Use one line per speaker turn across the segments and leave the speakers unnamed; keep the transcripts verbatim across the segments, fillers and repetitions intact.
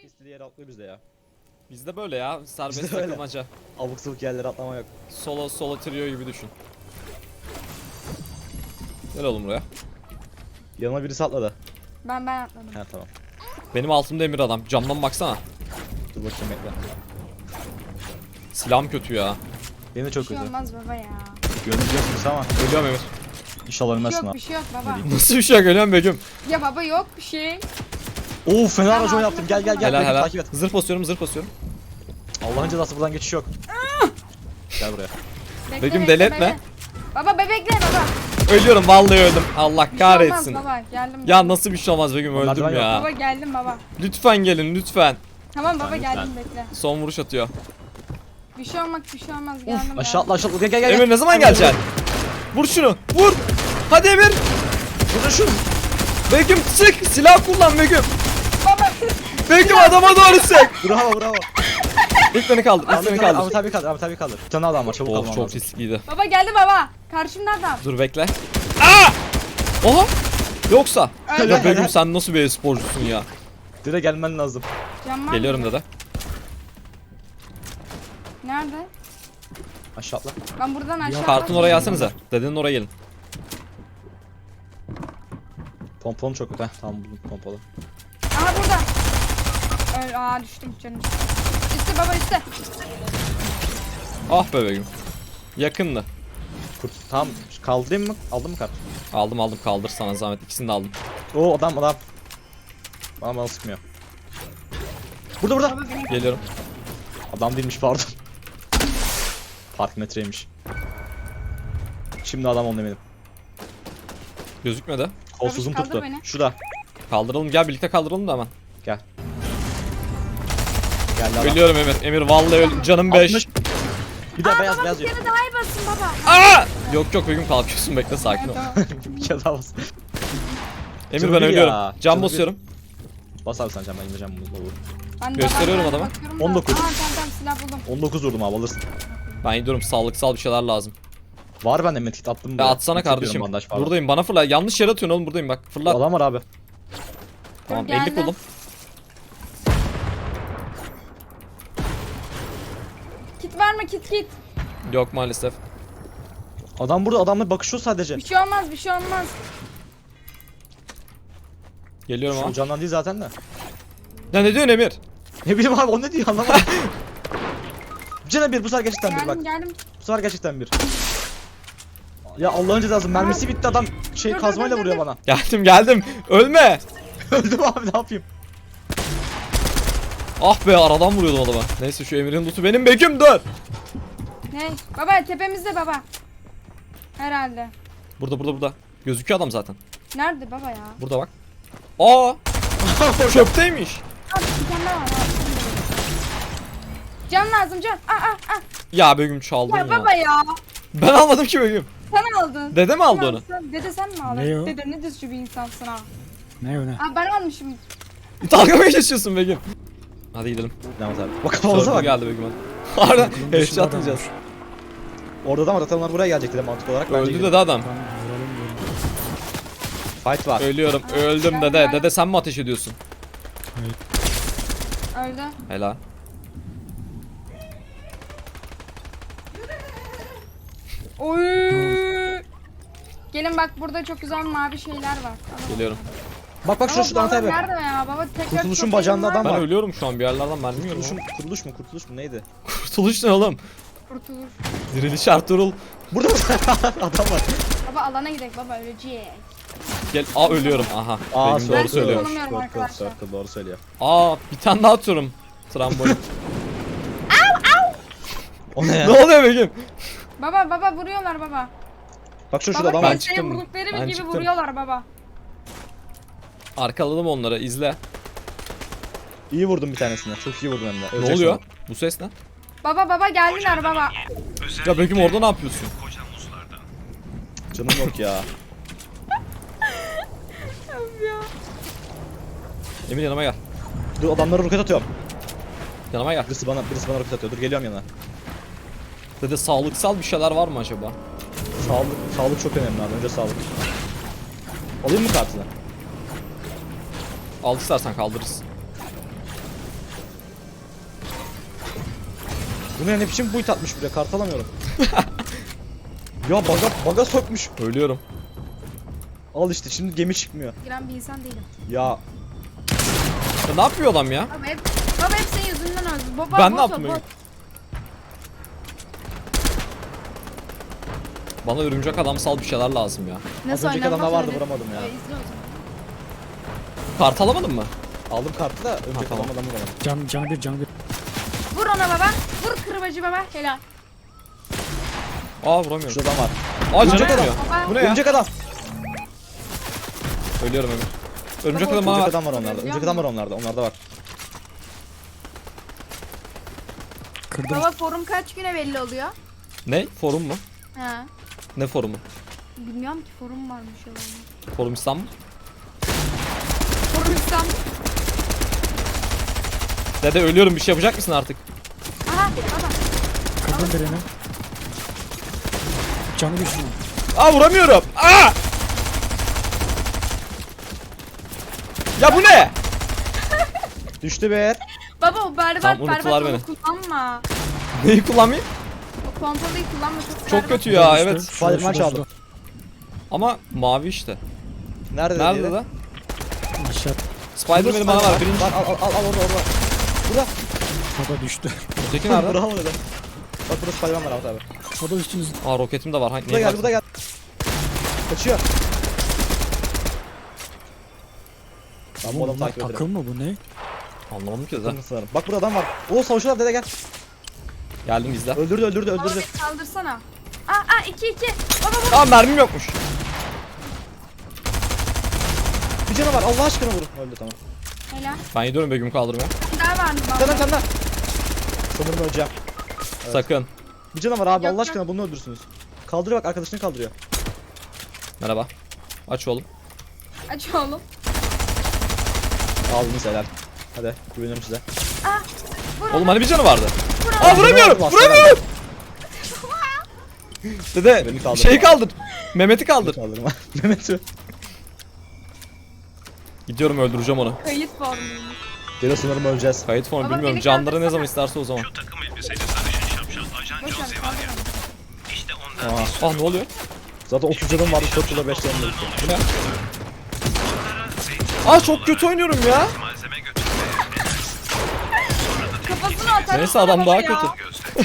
istediği yere atlıyor bizde ya.
Bizde böyle ya, serbest
Bizde öyle.
takılmaca.
Abuk sabuk yerlere atlama yok.
Solo solo trio gibi düşün. Gel oğlum buraya.
Yanıma birisi atladı.
Ben ben atladım.
He tamam.
Benim altımda emir adam. Camdan baksana.
Dur bakayım bekle.
Silahım kötü ya.
Benim de
Bir
çok
şey
kötü.
olmaz baba ya.
Gönlüm yokmuş ama.
Ölüyorum Emir.
İnşallah
Bir şey
ölmezsin
yok
ha.
bir şey yok baba.
Nasıl bir şey yok, ölüyorum Begüm.
Ya baba yok bir şey.
Oo fena
Tamam,
racon yaptım. Gel gel gel.
Helal
Beni
helal.
Takip et.
Zırh basıyorum, zırh basıyorum.
Allah'ın cezası buradan geçiş yok. Gel buraya.
Bekle,
Begüm,
bekle,
deli etme.
bekle. Baba bebekle baba.
Ölüyorum, vallahi öldüm. Allah
Bir şey
kahretsin.
olmaz baba geldim.
Ya nasıl bir şey olmaz Begüm,
Onlar
öldüm
ben yok.
ya.
Baba geldim baba.
Lütfen gelin lütfen.
Tamam baba
Lütfen,
geldim bekle.
Son vuruş atıyor.
Bir şey olmaz bir şey olmaz geldim.
Aşağı atla
geldim.
aşağı atla. Gel gel gel.
Emir ne zaman geleceksin? Vur şunu, vur. Hadi Emir.
Vur şunu.
Begüm sık, silah kullan Begüm.
Baba.
Begüm adama doğru sık.
Bravo bravo.
İlk beni kaldır, ilk
Ahmet
beni
abi,
kaldır.
Ahmet abi kaldır. Ahmet abi kaldır. Bir tane adam var. Çabuk
Of
kalman
çok
lazım.
riskliydi.
Baba geldi baba. Karşımda adam.
Dur bekle. Aa! Oha! Yoksa.
Öyle.
Ya Begüm sen nasıl bir sporcusun ya?
Direkt gelmen lazım.
Cam var
Geliyorum
mı?
dede.
Nerede?
Aşağı atla.
Ben buradan aşağı
Kartın
atladım.
oraya gelsenize. Dedenin oraya gelin.
Pompon çok kötü. Heh, tamam buldum pompalı.
Aha burada. Öyle, aa düştüm canım. Üstte baba üstte.
Ah be Begüm. Yakındı.
Kurt. Tamam kaldırayım mı? Aldın mı kart?
Aldım aldım, kaldır sana zahmet. İkisini de aldım.
Oo adam adam. Bana bana sıkmıyor. Burada burada.
Baba beni
Geliyorum.
Adam değilmiş pardon. Park metreymiş. Şimdi adam onu demedim.
Gözükmedi.
Kolsuzum
kaldır
tuttu.
beni.
Şurada.
Kaldıralım, gel birlikte kaldıralım da hemen.
Gel. Geldi adam.
Ölüyorum Emir. Emir vallahi öl canım beş.
altmış. Bir de
Aa,
beyaz
baba
beyaz
bir
yok.
kere daha iyi basın baba.
Aa! Yok yok Begüm, kalkıyorsun, bekle sakin ol.
Evet, tamam.
Bir kere daha bas.
Emir
Canım
ben
bir
ölüyorum.
ya,
Cam
canım bir.
basıyorum.
Bas abi sen can, ben indireceğim bunu. Olur.
Ben de
Gösteriyorum
baba,
adama.
bakıyorum da.
on dokuz.
Aa tamam tamam silah buldum.
on dokuz vurdum abi alırsın.
Ben gidiyorum, sağlıksal bir şeyler lazım.
Var bende medkit attım.
Ya
buraya.
atsana
Çekiyorum
kardeşim.
bandaj falan.
Buradayım, bana fırla. Yanlış yere atıyorsun oğlum, buradayım bak. Fırla.
Adam var abi.
Tamam,
Dur,
elli
geldim.
buldum.
Kit var mı kit kit.
Yok maalesef.
Adam burada, adamla bakışıyor sadece.
Bir şey olmaz bir şey olmaz.
Geliyorum
Şu
ama.
candan değil zaten de.
Ya ne diyorsun Emir?
Ne bileyim abi o ne diyor anlamadım. Cana bir bu sefer gerçekten bir bak.
Geldim geldim.
Bu sefer gerçekten bir. Ya Allah'ın cezası mermisi bitti adam şey
Dur, dur,
kazmayla
dur,
vuruyor
dur.
bana.
Geldim geldim. Ölme.
Öldüm abi ne yapayım?
Ah be, aradan vuruyordum adama. Neyse şu Emir'in lootu benim, Begüm dur.
Ne? Baba tepemizde baba. Herhalde.
Burada burada burada. Gözüküyor adam zaten.
Nerede baba ya?
Burada bak. Aa! Çöpteymiş.
Abi bir tane daha var. abi. Can lazım can. Aa aa aa.
Ya Begüm çaldın
Ya
ya.
baba ya.
Ben almadım ki Begüm.
Sen aldın.
Dede mi aldı
Sen
onu?
aldın. Dede sen mi aldın?
Ne o?
Dede ne düzgün bir insansın ha.
Ne öyle?
Aa ben almışım.
Dalga mı geçiyorsun Begüm? Hadi gidelim.
Demet abi. Bak kafamıza
Sorgu
bak.
geldi Begüm hadi. Harbi
Bunun dışında
headshot
adam
atacağız.
var.
Orada da var adamlar buraya gelecekti de mantık olarak. Bence
Öldü
gidelim.
dede adam.
Tamam, vuralım diyorum.
Fight var.
Ölüyorum. Öldüm dede. Dede sen mi ateş ediyorsun?
Öldü.
Helal.
Oy. Gelin bak burada çok güzel mavi şeyler var. Alalım.
Geliyorum.
Bak bak şurada şu Demet
baba
abi.
nerede ya? Baba tekrar
Kurtuluşun
çok
bacağında
elim var.
adam
Ben
var.
ölüyorum şu an, bir yerlerden mermi yiyorum.
Kurtuluşun,
ama.
kurtuluş mu kurtuluş mu neydi?
Kurtuluş ne oğlum?
Kurtulur.
Diriliş Ertuğrul.
Burada adam var.
Baba alana gidelim baba öleceğiz.
Gel. Aa ölüyorum. Aha.
Aa
Begüm
Ben
doğru söylüyor.
tanımıyorum
Circle,
arkadaşlar.
circle, doğru söylüyor.
Aa bir tane daha atıyorum. Trambolin.
O ne ya?
Ne oluyor Begüm?
Baba baba vuruyorlar baba.
Bak şu şurada
Baba
adam
Ben
var.
ben
çıktım.
vurdukları
Ben
gibi
çıktım.
vuruyorlar baba.
Arkaladım onları, izle.
İyi vurdum bir tanesine. Çok iyi vurdum hem de.
Ne
Ölecek
oluyor?
sonra.
Bu ses ne?
Baba baba geldiler baba.
Ya Begüm orada ne yapıyorsun?
Canım yok ya.
Emir yanıma gel.
Dur adamlara roket atıyorum.
Yanıma gel.
Birisi bana birisi bana roket atıyor. Dur geliyorum yana.
Dede sağlıksal bir şeyler var mı acaba?
Sağlık sağlık çok önemli abi. Önce sağlık. Alayım mı kartını?
Al istersen kaldırırız.
Bu ne ne biçim buit atmış buraya, kart alamıyorum. Ya baga, baga sokmuş.
Ölüyorum.
Al işte şimdi gemi çıkmıyor.
Giren bir insan değilim.
Ya
Ya ne yapıyor adam ya?
Baba hep, baba hep senin yüzünden öldü. Baba,
Ben
bot
ne
o,
yaptım
bot.
öyle? Bana örümcek adamsal bir şeyler lazım ya.
Nasıl
önceki
oynanmaz
adamda vardı,
öyle?
vuramadım ya.
Ee, izle o zaman.
Kart alamadın mı?
aldım kartı da önceki
tamam.
adamdan vuramadım.
Can, canı bir, canı bir.
Vur ona baba. Vur kırbacı baba. Helal.
Aa vuramıyorum.
Şurada adam var.
Aa canım
Örümcek adam.
yanıyor.
Baba.
Bu ne ya?
Örümcek adam.
Ölüyorum Emir. Örümcek
Baba,
adam bana
Örümcek
ver.
adam var onlarda. Örümcek adam var onlarda. Onlarda var.
Kırdım.
Baba forum kaç güne belli oluyor?
Ne? Forum mu?
Ha.
Ne forumu?
Bilmiyorum ki forum varmış olan.
Forum İstanbul.
Forum İstanbul.
Dede ölüyorum, bir şey yapacak mısın artık?
Aha baba.
Kırdım birini. Canı bir şunu.
Aa vuramıyorum. Aa! Ya bu ne?
Düştü be.
Baba o berbat
Tamam, unuttular
berbat
beni.
onu kullanma.
Neyi kullanmayayım?
O pompalıyı kullanma çok
Çok
berbat.
kötü ya,
Şurada,
evet.
şurada,
Spiderman
şurada,
çaldı.
Ama mavi işte.
Nerede?
Nerede
dedi?
lan?
şurada. Aşağı.
Spiderman'i bana ver. Birinci.
Al al al al orada orada. Burada.
O da düştü.
Öteki nerede?
Bravo dedi. Bak burada Spiderman var Ahmet abi.
O da üstünüzde.
Aa roketim de var. Hangi?
Bu da geldi, bu da geldi. Kaçıyor. Ben bu adamı
Bunlar
takip ederim.
takım mı bu ne?
Anlamadım ki de.
Takım sanırım. Bak burada adam var. Oo savaşıyorlar, dede gel.
Geldim izle.
Öldürdü öldürdü
Baba
öldürdü.
beni kaldırsana. Aa aa iki iki. Baba vur.
Aa mermim yokmuş.
Bir canı var, Allah aşkına vurun. Öldü tamam.
Helal.
Ben gidiyorum Begüm kaldırmaya.
Bir daha var mı
Bir
baba?
tane bir tane daha. Sanırım öleceğim. Evet.
Sakın.
Bir canı var abi,
Yok,
Allah aşkına bunu öldürsünüz. Kaldırıyor bak, arkadaşını kaldırıyor.
Merhaba. Aç oğlum.
Aç oğlum.
Aldınız helal. Hadi güveniyorum size.
Aa. Vur
Oğlum
ona.
hani bir canı vardı.
Vur
Aa
ona.
vuramıyorum.
Bastı
Vuramıyorum. Dede
Beni kaldır.
şeyi kaldır. Mehmet'i kaldır.
Kaldırma. Mehmet'i.
Gidiyorum, öldüreceğim onu.
Kayıt formuymuş.
Gene sanırım öleceğiz.
Kayıt formu
Baba,
bilmiyorum.
beni
Canları ne
kaldırsana.
zaman isterse o zaman.
Takım elbiseli sarışın şapşal ajan
Boş ver
Jose var ya.
kaldır
İşte ondan
Aa,
Ah ne oluyor?
zaten otuz canım vardı, dört yılda beş canım öldü.
Bu ne?
onlara zeytin
Aa çok kötü oynuyorum ya.
malzeme götürmeye
onu. Kafasını atar.
Neyse, adam daha
ya.
kötü.
gözle.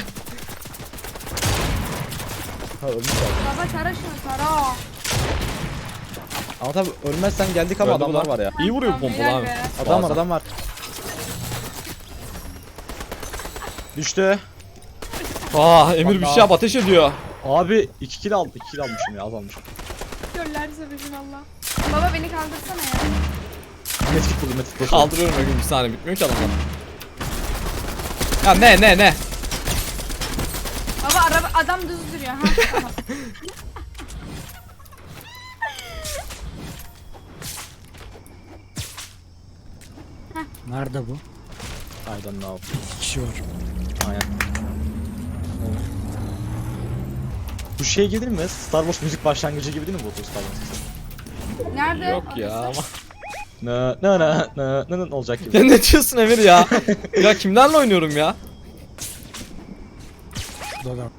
Ha ölmüş abi.
Baba tara şunu tara.
Ama tabi ölmezsen geldik ama
Öldü bu
adamlar
da.
var ya.
İyi vuruyor bu
Tamam,
pompalı
helal
abi.
be.
Adam var
Bazen.
adam var. Düştü.
Aa Emir bir şey yap, ateş ediyor.
Abi iki kill aldım. iki kill almışım ya, az almışım.
Göller sebebin Allah. Baba beni kaldırsana ya.
Medkit buldum, medkit buldum.
Kaldırıyorum Begüm, bir saniye, bitmiyor ki adamlar. Ya ne ne ne?
Baba araba adam düz duruyor ha. Tamam.
Nerede bu?
I don't know.
İki kişi var.
Aynen. Bu şey gelir mi? Star Wars müzik başlangıcı gibi değil mi bu Star Wars?
Nerede?
Yok ya
Orası?
ama.
Ne ne ne ne ne ne olacak gibi.
Ya ne diyorsun Emir ya? Ya kimlerle oynuyorum ya?
Şurada da.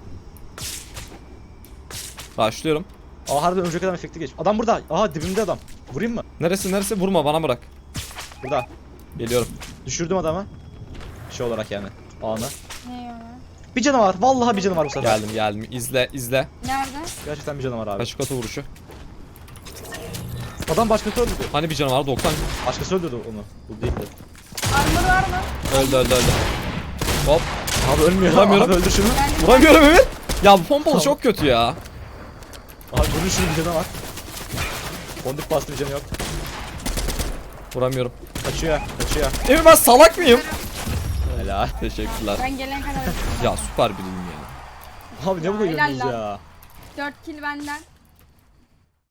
Başlıyorum.
Aa harbiden önceki adam efekti geç. Adam burada. Aha dibimde adam. Vurayım mı?
Neresi neresi, vurma, bana bırak.
Burada.
Geliyorum.
Düşürdüm adamı. Şey olarak yani. Anı.
Ne ya?
Bir canı var. Vallahi bir canı var bu sefer.
Geldim geldim. İzle izle.
Nerede?
Gerçekten bir canı var abi.
Taş katı vuruşu.
Adam başkası öldürdü.
Hani bir canı var, doksan.
Başkası öldürdü onu. Bu değildi.
Armor var mı?
Öldü öldü öldü. Hop.
Abi ölmüyor.
Vuramıyorum.
Abi öldür şunu.
Ben
Vuramıyorum Emir. Ya bu pompalı çok kötü ya.
Abi vurun şunu, bir canı var. Fondip bastı, bir canı yok.
Vuramıyorum.
Kaçıyor. Kaçıyor.
Emir ben salak mıyım?
Helal.
Teşekkürler.
Ben gelene kadar.
Ya süper bilim ya.
Abi ne bu
Ya, helal
oynuyorsunuz
lan.
ya?
dört kill benden.